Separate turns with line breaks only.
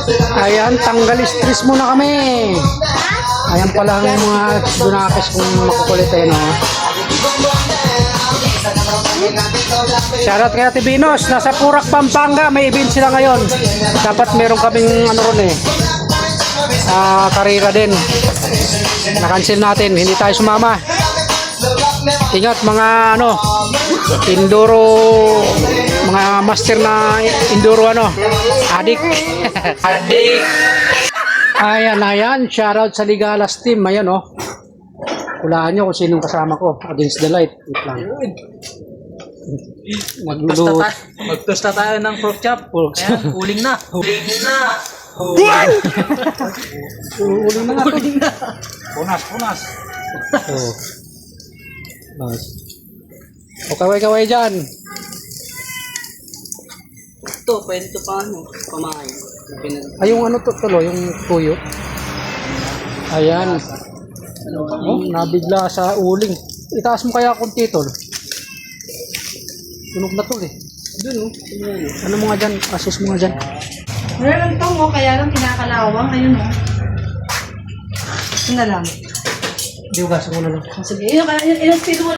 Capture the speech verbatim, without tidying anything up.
Ayan, tanggal stress muna kami. Ayan pala ang mga dunakis kung makukulit eh, no? Shoutout kay Ate Binos, nasa Purak, Pampanga, may event sila ngayon. Dapat meron kaming ano ron eh, uh, karera din. Na-cancel natin, hindi tayo sumama. Ingat mga ano, enduro, mga master na enduro ano, adik. Adik. Ayan, ayan, shoutout sa Ligalas team, ayan oh. Hulaan nyo kung sinong kasama ko, against the light. Wait lang. Magluluto.
Magtosta tayo ng pork chop. Ayan, uling na. Uling na.
Uling na nga to.
Uling na. Punas, punas.
Oh. Nice. O kaway-kaway dyan.
Ito, pwede ito pa ano, pamain.
Ay, yung ano to, tulo, yung tuyo. Ayan. Oh, nabigla sa uling. Itaas mo kaya konti tol. Tunog na tol eh.
Doon oh.
Ano mo nga dyan? Assist mo nga dyan.
Meron tong oh, kaya lang kinakalawang. Ayun oh. Ito na lang.
Diugasan mo na lang.
Sige, yun, yun, yun, yun,